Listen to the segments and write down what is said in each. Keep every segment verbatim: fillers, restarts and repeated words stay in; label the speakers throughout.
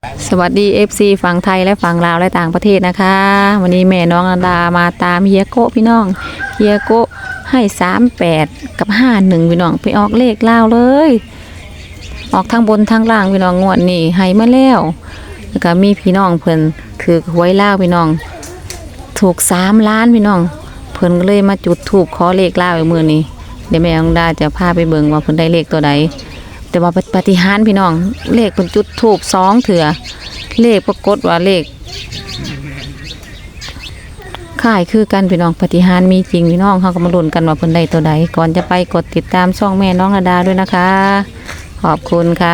Speaker 1: สวัสดี เอฟ ซี ฝั่งไทยและฝั่งลาวและต่างประเทศนะคะวันนี้แม่น้องอดามาตามเฮียโกพี่น้องเฮียโกให้สามแปดกับห้าหนึ่งพี่น้องไปออกเลขลาวเลยออกทางบนทางล่างพี่น้องงวดนี้ให้มาแล้วแล้วก็มีพี่น้องเพิ่นถือหวยลาวพี่น้องถูกสามล้านพี่น้องเพิ่นก็เลยมาจุดธูปขอเลขลาวอีกมื้อนี้เดี๋ยวแม่น้องดาจะพาไปเบิ่งว่าเพิ่นได้เลขตัวใดแต่ว่าปาฏิหาริย์พี่น้องเลขเพิ่นจุดธูปสองเถื่อเลขปรากฏว่าเลขค่ายคือกันพี่น้องปาฏิหาริย์มีจริงพี่น้องเขาก็มาลุ้นกันว่าเพิ่นได้ตัวใดก่อนจะไปกดติดตามช่องแม่น้องอดาด้วยนะคะขอบคุณค่ะ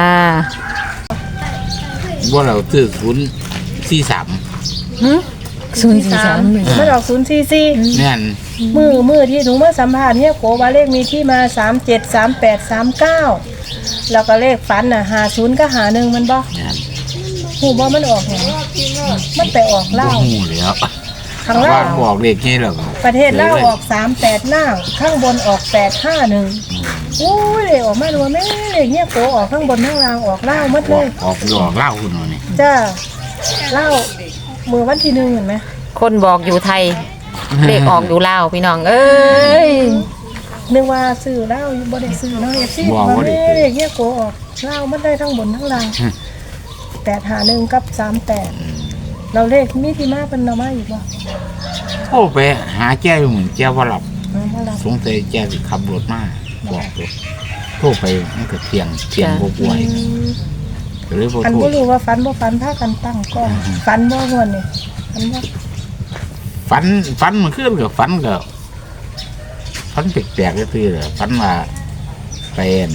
Speaker 2: ว่าเราซื้อศูนย์สี่สาม
Speaker 1: ศูนย์สี่สาม
Speaker 3: ไม่ออกศูนย์สี่สี่
Speaker 2: เนี่ย
Speaker 3: มือมือที่หนูมาสัมภาษณ์เนี่ยโกว่าเลขมีที่มาสามเจ็ดสามแปดสามเก้าแล้วก็เลขฝันน่ะหาศูนย์ก็หาหนึ่งมันบ่
Speaker 2: เนี่ย
Speaker 3: หูบ่มันออกอย่างมันไปออก
Speaker 2: บ่
Speaker 3: เล่าว
Speaker 2: หูแล้ว
Speaker 3: ข้าง
Speaker 2: ว่า
Speaker 3: ล่าง
Speaker 2: บอกเลขนี้แล้ว
Speaker 3: ประเทศเล่าวออกสามแปดหน้าข้างบนออกแปดห้าหนึ่งโอ้ยเลขออกมาดูว่าแม่เลขเนี่ยโกออกข้างบนข้างล่างออกเล่าวหมด
Speaker 2: บ
Speaker 3: เล
Speaker 2: อก
Speaker 3: ย
Speaker 2: ออกหลอกเล่าคุณหน่อยนี่
Speaker 3: จ้าเล่าวมือวันที่หนึ่งเห็นไหม
Speaker 1: คนบอกอยู่ไทยเลขออกอยู่ลาวพี่น้องเอ้ย
Speaker 3: นึกว่าซื้อเล่าวอยู่บ่ได้ซื้อเนาะเอฟซีว่าแม่เลขเนี่ยโกออกเล่าวมันได้ทั้งบนทั้งล่างแปดหาหนึ่งกับสามแปดเราเลขมีที่มาเป็นเรามาอีกบ่
Speaker 2: โอ้ไปหาแก้เหมือนแก้ว่าหลับ
Speaker 3: มาละ
Speaker 2: สงสัยแก้สิขับรถมาบอกเลยโทรไปมันก็เที่ยงเที่ยงบกวยก็เลยบ่
Speaker 3: อัน
Speaker 2: โทร
Speaker 3: บ่รู้ว่าฟันบ่ฟันพากันตั้งกล้องฟันบ่ม่วนนี่ฟันบ่
Speaker 2: ฝันฝันมันขึ้นกับฝันก็ฝันแปลกๆก็คือฝันว่าไปอั่น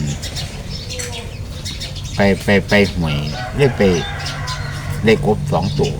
Speaker 2: ไปไปไปหวยได้ไปได้กบสองตัว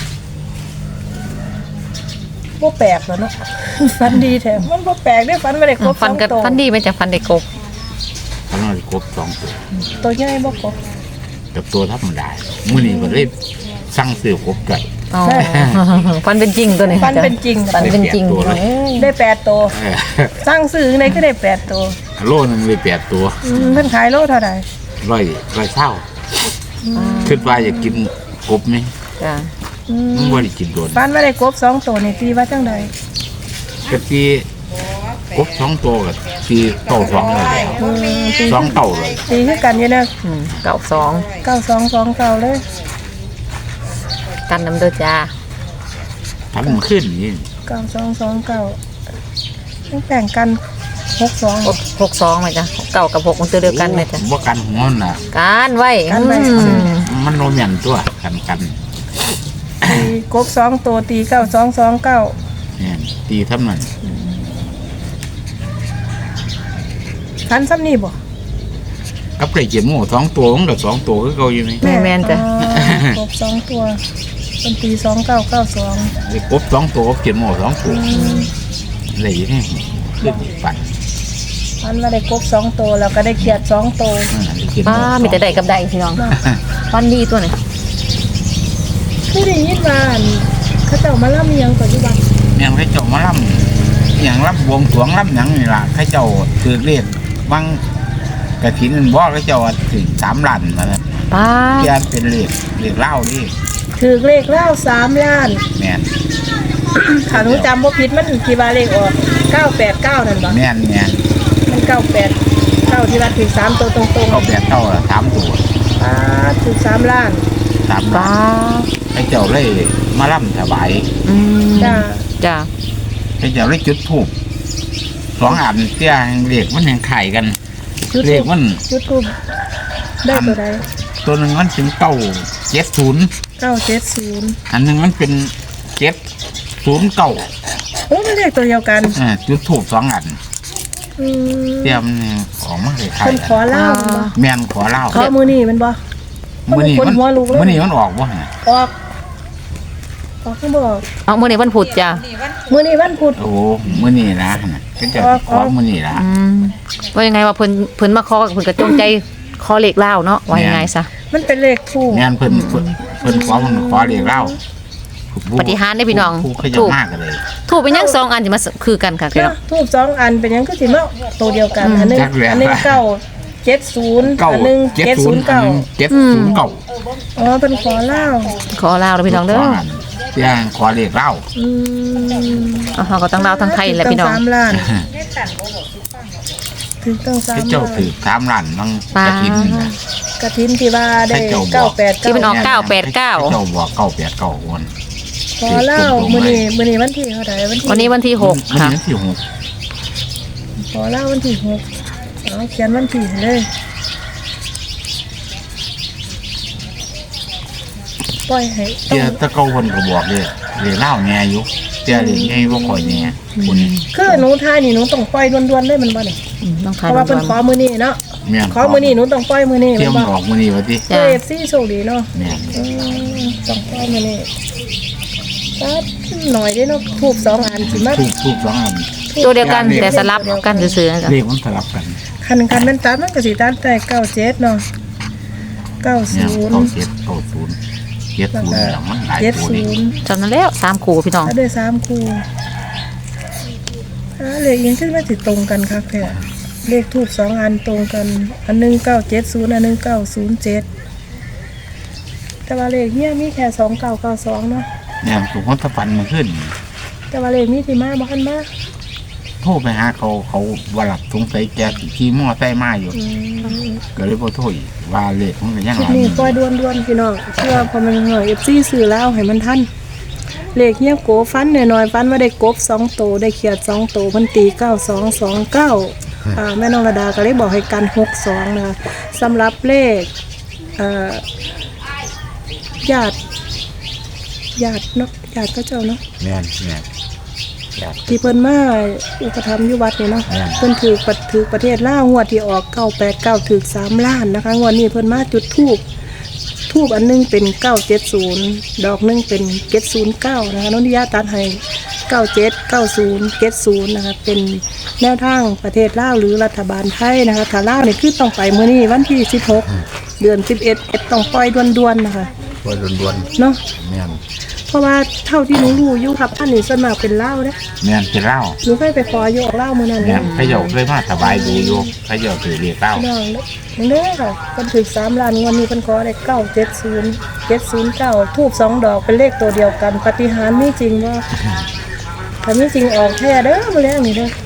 Speaker 3: บ่แปลกแล้วเนาะ ฟันดีแท้มันบ่แปลกเด้ฟันบ่ได้ครบส
Speaker 1: ฟัน
Speaker 3: อง
Speaker 1: กับ
Speaker 3: ตัว
Speaker 1: ฟันดีไหมจากฟันได้กบ
Speaker 2: ฝันว่าได้กบสองตัว
Speaker 3: ตัวใหญ่บ่ครบ
Speaker 2: กับตัวธรรมดามื้อนี้ก็เลยสั่งซื้อกบไก่
Speaker 1: อ๋อฟันเป็นจริงตัวนี้
Speaker 3: ฟันเป็นจริง
Speaker 1: ฟันเป็นจริง
Speaker 2: ตัวเลย
Speaker 3: ได้แปดตัว
Speaker 2: เออ
Speaker 3: สร้างซื้อในก็ได้แปดตัว
Speaker 2: โลนึงเลยแปดตัว
Speaker 3: อืมเพิ่นขายโลเท่าใด
Speaker 2: ร้อยร้อยเท่าคิดว่าอยากกินกบไหม
Speaker 1: จ้ะ
Speaker 3: อืม
Speaker 2: มันบ่ได้กินโดน
Speaker 3: ฟันบ่ได้ครบสองตัวนี่ตีว่าจังได
Speaker 2: กะตีกบสองตัวกับตีเต่าสองเลยแล้ว
Speaker 3: อืมตี
Speaker 2: สองเต่าเลย
Speaker 3: ตีคือกันอยู่นะ
Speaker 1: อืมเก่าสอง
Speaker 3: เก้าสองสองเก้าเลย
Speaker 1: กันน้ำเด้อจ้า
Speaker 2: ทำมันขึ้นนี่
Speaker 3: เก้าสองสองเก้าต้องแต่งกันหกสอง
Speaker 1: หกหกสองไหมจ้ะเก่ากับหกมันตัวเดียวกันไหมจ้ะ
Speaker 2: ว่ากันหัวน่ะ
Speaker 1: การไว้
Speaker 3: กันไว้
Speaker 1: อืม
Speaker 2: มันโนมยันตัวกันกัน
Speaker 3: ตีกบสองตัวตีเก้าสองสองเก้า
Speaker 2: เนี่ยตีทำนั้น
Speaker 3: ฟันซ้ำนี่บ่
Speaker 2: กับไก่เจียมหมูสองตัวมันกับสองตัวคือเก่าอยู่นี่
Speaker 1: แม่แม่นจ้ะ
Speaker 3: อ๋อกบสองตัวเป็นตีสองเก้าเก้าสอง
Speaker 2: ไอ้กบสองตัวกับเจียมหมูสองตัวอะไรอย่างนี้ขึ้นปั่น
Speaker 3: ฟันมาได้กบสองตัวแล้วก็ได้เขียดสองตัว
Speaker 1: ป้ามีแต่ใดกับใดพี่น้องฟันดีตัวไหน
Speaker 3: คือได้ยินว่าอั่นเขาเจ้ามาล่ำเมียงปัจจุบัน
Speaker 2: ยังให้เจ้ามาล่ำอย่างล่ำบวงสรวงล่ำหยังนี่ล่ะให้เจ้าถือเรียกบางกระถินบ่ให้เจ้าถึงสามล้านมาแล้ว
Speaker 1: ป้า
Speaker 2: เพียนเป็นเรียกเรียกเล่านี่
Speaker 3: ถือเลขเล่าสามล้าน
Speaker 2: แม่น
Speaker 3: ถ้าหนูจำบ่ผิดมันกี่บาเลขออกเก้าแปดเก้านั่นบ่
Speaker 2: แม่นแม่น
Speaker 3: มันเก้าแปดเก้าที่ว่าถือสามตัวตรง
Speaker 2: เขาแบกเท่าละสามตัว
Speaker 3: ๆอ่าถือสามล้าน
Speaker 2: สามล้า
Speaker 1: ป้าน
Speaker 2: ให้เจ้าเลยมาล่ำถวาย
Speaker 1: อืม
Speaker 3: จ้า
Speaker 1: จ้ะ
Speaker 2: ให้เจ้าเลยจุดธูปสองอันเตี้ยเรียกมันยังไข่กัน
Speaker 3: จุด
Speaker 2: เรียก
Speaker 3: ทูบ
Speaker 2: มัน
Speaker 3: จุดทูบได้ตัวใด
Speaker 2: ตัวหนึ่งมันเป็นเก้าเจ็ดศูนย์
Speaker 3: เก้าเจ็ดศูนย์
Speaker 2: อันหนึ่งมันเป็นเจ็ดศูนย์เก้า
Speaker 3: โอ้ไม่เลขตัวเดียวกัน
Speaker 2: อ่าจุดธูปสองอัน
Speaker 3: อืม
Speaker 2: เตี้ยมันออกมาเลยไข่
Speaker 3: เพิ่นขอเล่ามันบ่
Speaker 2: แม่นขอเล่า
Speaker 3: ขอมือนี่มันบ่
Speaker 2: มื่อนี้
Speaker 3: คน
Speaker 2: มัน
Speaker 3: หัวลูกเลย
Speaker 2: มื่อนี้มันออกวะ
Speaker 3: ออกออกขึ้นบ่ออก
Speaker 1: เอาเมื่อไหร่วันพุธจ้ะ
Speaker 3: มือนี่วันพุธ
Speaker 2: โอ้มื่อนี้นะเป็นเจ้าขอมื่อนี้ละ
Speaker 1: อืมว่ายังไงว่าเพิ่นเพิ่นมาขอเพิ่นก็จงใจขอเลขเล่าวเนาะว่ายังไงซะ
Speaker 3: มันเป็นเลขทูบ
Speaker 2: งานเพิ่นเพิ่นเพิ่นขอมันขอเรียกเล่า
Speaker 1: ปฏิหารย์ได้พี่น้อง
Speaker 2: ผู้ขยั
Speaker 1: ถู
Speaker 2: น
Speaker 1: ก
Speaker 2: มากกันเลย
Speaker 1: ถูกเป็นยังสองอันสิมาคือกันค่ะพี่น้อง
Speaker 3: ทูบสองอันเป็นหยังก็สิมาตัวเดียวกัน อันหนึง
Speaker 2: จักแล้ว
Speaker 3: อันหนึงเก้าเเจ็ดศูนย์
Speaker 2: เก้า
Speaker 3: อันหนึ่ง
Speaker 2: เจ็ด
Speaker 3: เจ็ด
Speaker 2: ศู
Speaker 3: ศู
Speaker 2: น
Speaker 3: น
Speaker 2: ย์
Speaker 3: ย์เก้า
Speaker 2: เจ็ดศูนย์เก้า
Speaker 3: อ๋อเป็นขอเล่า
Speaker 1: ขอลาวเด้อพี่น้องเด้อ
Speaker 2: เสียงขอเลขเล่า
Speaker 3: อืม
Speaker 1: เอาเฮาก็ต้องลาวทั้งไทยแหละพี่น้อง
Speaker 3: ถึสามล้านถึงตั้งสาม
Speaker 2: ที่
Speaker 3: ล้า
Speaker 2: เจ้าน ถือสามล้านมัง
Speaker 1: ปลา
Speaker 2: กระถินน่ะ
Speaker 3: กระถินที่ว่าได้
Speaker 2: ให้เจ้าบอก
Speaker 3: เก้าแปด
Speaker 1: ที่มันอ
Speaker 3: เก้า
Speaker 1: อกเก้าแปดเก้า
Speaker 2: เจ้าบอกเก้าแปดเก้าคน
Speaker 3: ขอเล่ามื้อนี้มื้อนี้วันที่เท่าไหร่วันที่
Speaker 1: วันนี้วันที่หก
Speaker 2: มัน
Speaker 1: ค่ะ
Speaker 2: นี่ที่หก
Speaker 3: ขอเล่าวันที่หกเอาเขียนวันที่ให้เลยปล่อยให้ต้อ
Speaker 2: เจ้าง ตะเก้าคนก็บอกเลยเลขเล่าแง่อยู่เจ้าเลขแง่บ่ค่อยแง่คุณ
Speaker 3: คือหนูทายนี่หนูต้องปล่อยด่วนๆเลยมันบ่นี่
Speaker 1: อืมต้อง
Speaker 3: เพ
Speaker 1: ทาย
Speaker 3: ราะว่า
Speaker 1: ด่
Speaker 3: เพิ่น
Speaker 1: วน
Speaker 3: ขอมื้อนี้เนาะ
Speaker 2: แม่น
Speaker 3: ขอมื้อนี้หนูต้องปล่อยมื้อนี้
Speaker 2: เตรียม
Speaker 3: แม่น
Speaker 2: อ
Speaker 3: บ่
Speaker 2: อกมื้อนี้ว่าติ
Speaker 3: เอฟซีโชคดีเนาะ
Speaker 2: แม่น
Speaker 3: อืมต้องปล่อยมื้อนี้ตัดหน่อยเด้เนาะทูบสองอันสิมา
Speaker 2: ถูกถูกสองอัน
Speaker 1: ๆตัวเดียวกันแต่สลับกันซื่อๆนะจ๊ะ
Speaker 2: เลขมันสลับกัน
Speaker 3: คันคันมันตัดมันก็สิตัดได้เก้าเจ็ดเนาะเก้า
Speaker 2: เนี่ย
Speaker 3: ศูนย์
Speaker 2: เก้าเจ็ดเก้าศูนย์เจ็ด
Speaker 3: แล้ว
Speaker 2: ศูน
Speaker 3: ก็
Speaker 2: ย์อย่างมันหลาย
Speaker 3: เจ็ด
Speaker 2: ตัว
Speaker 3: ศู
Speaker 2: เลย
Speaker 3: นย์
Speaker 1: จำนั้นแล้วสามคู่พี่น้อง
Speaker 3: ตัดได้สามคู่อ่าเลขยังขึ้นมาสิตรงกันครับแท้เลขทูบสองอันตรงกัน อันหนึงเก้าเจ็ดศูนย์อันหนึงเก้าศูนย์เจ็ดแต่ว่าเลขเฮียมีแค่สองเก้าเก้าสองเนาะ
Speaker 2: เนี่ยถูกคนตะฟันมาขึ้น
Speaker 3: แต่ว่าเลขมีที่มาบ่คันมา
Speaker 2: โทรไปหาเขาเขาว่าหลับสงสัยแกขี่มอไซค์มาอยู่
Speaker 3: อืม
Speaker 2: ก็เลยบ่โทรอีกว่าเลขมันก็ยัง
Speaker 3: คลิ
Speaker 2: ห
Speaker 3: ป
Speaker 2: ลาย
Speaker 3: นี้
Speaker 2: อยู่
Speaker 3: ปล่อยด่วนๆพี่น้องเชื่อพอมันเหนื่อยเอฟซีซื้อแล้วให้มันทันเลขเฮียโกฟันหน่อยๆฟันว่าได้กบสองโตวได้เขียดสองโตวเพันตีเก้าสองสองเก้าอ่าแม่น้องระดาก็เลยบอกให้กันหกสองนะคะสำหรับเลขเอ่อญาติญาติเนาะญาติก็เจ้าเนาะ
Speaker 2: แม่นแม่นอยาก
Speaker 3: ที่เพิ่นมาอุปถัมภ์อยู่วัดนี่เนาะ
Speaker 2: อืม
Speaker 3: เพิ่นถือปัดถือประเทศลาวงวดที่ออกเก้าแปดเก้าถือสามล้านนะคะงวดนี้เพิ่นมาจุดธูปธูปอันหนึงเป็นเก้าเจ็ดศูนย์ดอกหนึงเป็นเจ็ดศูนย์เก้านะคะน้องนิยาตัดให้เก้าเจ็ดเก้าศูนย์เจ็ดศูนย์นะคะเป็นแนวทางประเทศลาวหรือรัฐบาลไทยนะคะถ้าลาวนี่คือต้องไปมื้อนี้วันที่สิบหกเดือนสิบเอ็ดเอ็ดต้องปล่อยด่วนๆนะคะ
Speaker 2: ว่าด่วน
Speaker 3: เนาะ
Speaker 2: ๆแม่น
Speaker 3: เพราะว่าเท่าที่หนูรู้อยู่ครับอันนี้ส่วนมากเป็นลาวเด้
Speaker 2: แม่นสิเล่า
Speaker 3: หนูเคยไปขออยู่ออกเล่ามือนั้น
Speaker 2: แม่
Speaker 3: นะ
Speaker 2: นเขาเจ้าเคยมาสบายดูอยู่เขาเจ้าถือเลขเล่า
Speaker 3: น้องเด้อค่ะเป็นถึงสามล้านวันนี้เป็นขอได้เก้าเจ็ดศูนย์เจ็ดศูนย์เก้าทูบสองดอกเป็นเลขตัวเดียวกันปาฏิหาริย์มีจริงว่าถ้ามีจริงออกแท้เด้อมาแล้วนี่เด้อ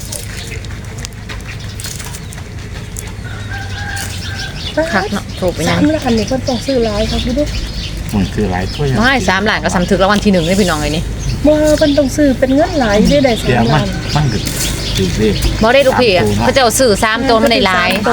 Speaker 1: คักเนาะถูกไปยั
Speaker 3: สาง มล้านนี่เพิ่นต้องซื้อหลายครับพี่เด้อ
Speaker 2: มันคือหลายถ้วย
Speaker 1: น้อยสามล้านก็สำถึกรางวัลที่หนึ่งเลยพี่น้องเลยนี่
Speaker 3: บ่เพิ่นต้องซื้อเป็นเงินหลายได้ได้
Speaker 2: เดี๋ย
Speaker 3: สาว ม
Speaker 2: มั
Speaker 3: ล้าน น
Speaker 2: มันคือถือเลข
Speaker 1: บ่ได้ลูกพี่อะเขาเจ้าซื้อสามตัวมันได้หลาย
Speaker 3: โต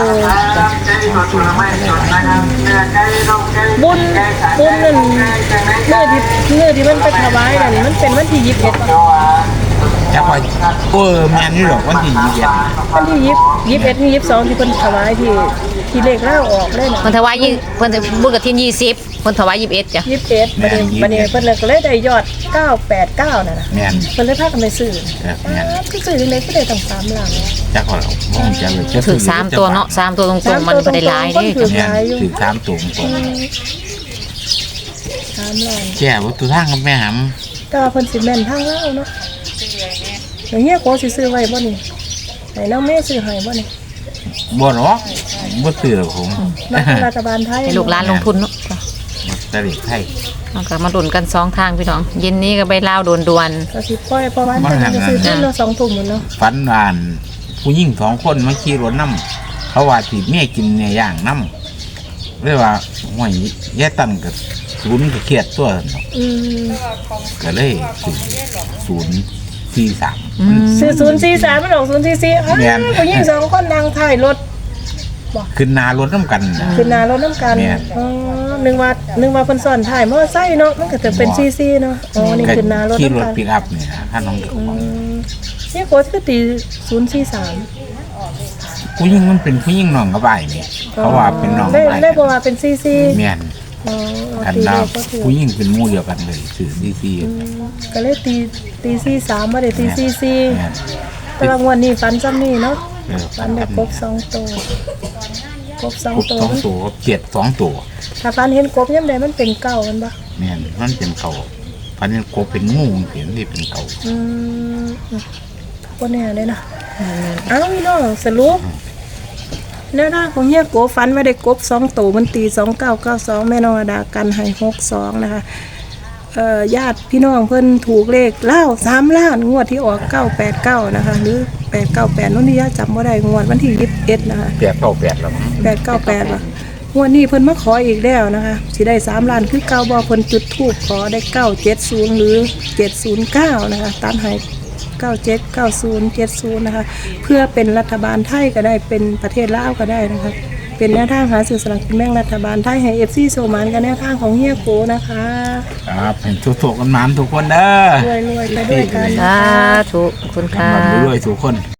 Speaker 3: บุญบุญนั่นเมื่อที่เมื่อที่มันไปถวายนั่นมันเป็นวันที่ยี่สิบเอ็ด
Speaker 2: จักว่าเออแม่นนี่หรอกวันที่ยี่สิบเอ็ด
Speaker 3: วันที่ยี่สิบยี่สิบเอ็ดที่ยี่สิบสองที่เพิ่นถวายที่ที่เลขเล่าออกเลยนะ
Speaker 1: เพิ่นถวายยี่เพิ่นบุญกฐินยี่สิบเพิ่นถวายยี่สิบเอ็ดจ้ะ
Speaker 3: ยี่สิบเอ็ดบัดนี้บัดนี้เพิ่นเลยก็เลยได้ยอดเก้าแปดเก้านั่นน่ะ
Speaker 2: แม่น
Speaker 3: เพิ่นเลยพากันไปซื้อ
Speaker 2: เออแม่น
Speaker 3: อ้าวคือซื้อจังได๋ก็ได้ตั้งสามล้าน
Speaker 2: จักว่าเราบ่รู้จักเลยจะ
Speaker 1: ถือสามตัวเนาะสามตัวตรงๆมันบ่ได้หลายเด้
Speaker 3: ถือ
Speaker 2: แม่น
Speaker 3: หลายอยู่
Speaker 2: ถือสามตัวตรง
Speaker 3: สามล้าน
Speaker 2: แก่วัตถุทางกับแม่ห
Speaker 3: แต่ว่าเพิ่นสิแม่นทางเล่าเนาะอย่างเงี้ยโกสิซื้อไว้บ่นี่ให้น้องแม่ซื้อให้บ่นี่
Speaker 2: ำบ่หรอกบ่ซื้อหรอกผม
Speaker 3: รัฐบาลไทย
Speaker 1: ให้ลูกหลานลงทุนเนาะจ้ะ
Speaker 2: ตะลิไทย
Speaker 1: เอาก็มาดุนกันสองทางพี่น้องเย็นนี้ก็ไปลาวด่วน
Speaker 3: ก็สิปล่อยเพราะว่าแต่จะซื้อขึ้นเนาะสองทุ่มหมดเนาะ
Speaker 2: ฝันวานผู้หญิงสองคนมาขี่รถน้ำเขาว่าสิแม่กินเนี่ยย่างน้ำเรียกว่าห่วยแย่ตันกับศูนย์กับเครียดตัวเนาะ
Speaker 3: อืม
Speaker 2: ก็เลยศูนย์ศูนย์สี่สาม
Speaker 1: ๆอืม
Speaker 3: ซื้อศูนย์สี่สามมันออกศูนย์สี่สี่อ้าว
Speaker 2: แม่น
Speaker 3: ผู้หญิงสองคนนั่งท้ายรถ
Speaker 2: ขึ้นนารถน้ำกันนะ
Speaker 3: ขึ้นหน้ารถน้ำกัน
Speaker 2: แม่น
Speaker 3: อ๋อนึกว่านึกว่าเพิ่นสอนถ่ายมอไซค์เนาะมันก็จะเป็นซีซีเนาะอ๋อนี่ขึ้นหน้ารถ
Speaker 2: ขี่ร
Speaker 3: น้ำ
Speaker 2: ถ
Speaker 3: กัน
Speaker 2: ปิกอัพเนี่ยนะถ้าน้องเด็ก
Speaker 3: อืมนี่โค้ชก็ตีศูนย์สี่สาม
Speaker 2: ผู้หญิงมันเป็นผู้หญิงน้องกระบายเนี่ยเขาว่าเป็นน้องก
Speaker 3: ได้
Speaker 2: ระบาย
Speaker 3: ได้บอกว่าเป็นซีซี
Speaker 2: แม่น
Speaker 3: อ๋อ
Speaker 2: อัน
Speaker 3: ตี
Speaker 2: ดา
Speaker 3: เล
Speaker 2: ว
Speaker 3: ขก็ถือ
Speaker 2: ผู้หญิงเป็นหมู่เดียวกันเลยสื่อซีซี
Speaker 3: ก็เลยตีตีซีสามมาได้ตีซีซี
Speaker 2: แม่น
Speaker 3: แต่ว่างวันนี้ฟันซ้ำนี่เนาะ
Speaker 2: เออ
Speaker 3: ฟันได้ครบสองตัวครบสอง
Speaker 2: กบ
Speaker 3: ตัว
Speaker 2: สองตัวเจ็ดสองตัว
Speaker 3: ถ้าฟันเห็นกบยังไงมันเป็นเก่ามันปะ
Speaker 2: แม่นมันเป็นเก่าพันนี้กบเป็นงูเห็นที่เป็นเก่า
Speaker 3: อืมก็แน่เลยนะเอ้าพี่น้องสรุปแนวทางของเฮียโกฟันว่าได้กบสองตัวมันตีสองเก้าเก้าสองแม่น้องระดากันให้หกสองนะคะเอ่อญาติพี่น้องเพิ่นถูกเลขเล่าสามล้านงวดที่ออกเก้าแปดเก้านะคะหรือแปดเก้าแปดนู่นนี่ย่าจำบ่ได้งวดวันที่ยี่สิบเอ็ดนะคะ
Speaker 2: แปดเก้าแปดแล้วมั้ง
Speaker 3: แปดเก้าแปดว่ะงวดนี้เพิ่นมาขออีกแล้วนะคะสิได้สามล้านคือเก้าบ่เพิ่นจุดธูปขอได้เก้าเจ็ดศูนย์หรือเจ็ดศูนย์เก้านะคะตามให้เก้าเจ็ดเก้าศูนย์เจ็ดศูนย์นะคะเพื่อเป็นรัฐบาลไทยก็ได้เป็นประเทศลาวก็ได้นะคะเป็นแนวทางหาสื่อสลากกินแบ่งรัฐบาลไทยให้ เอฟ ซี โซมานกันแนวทางของเฮียโกนะคะ
Speaker 2: ครับเห็นทุกๆกันมันทุกคนเด้อ
Speaker 3: รวยๆไปด้วยกัน
Speaker 1: สาธุขอบคุณค่ะ
Speaker 2: รวยๆทุกคน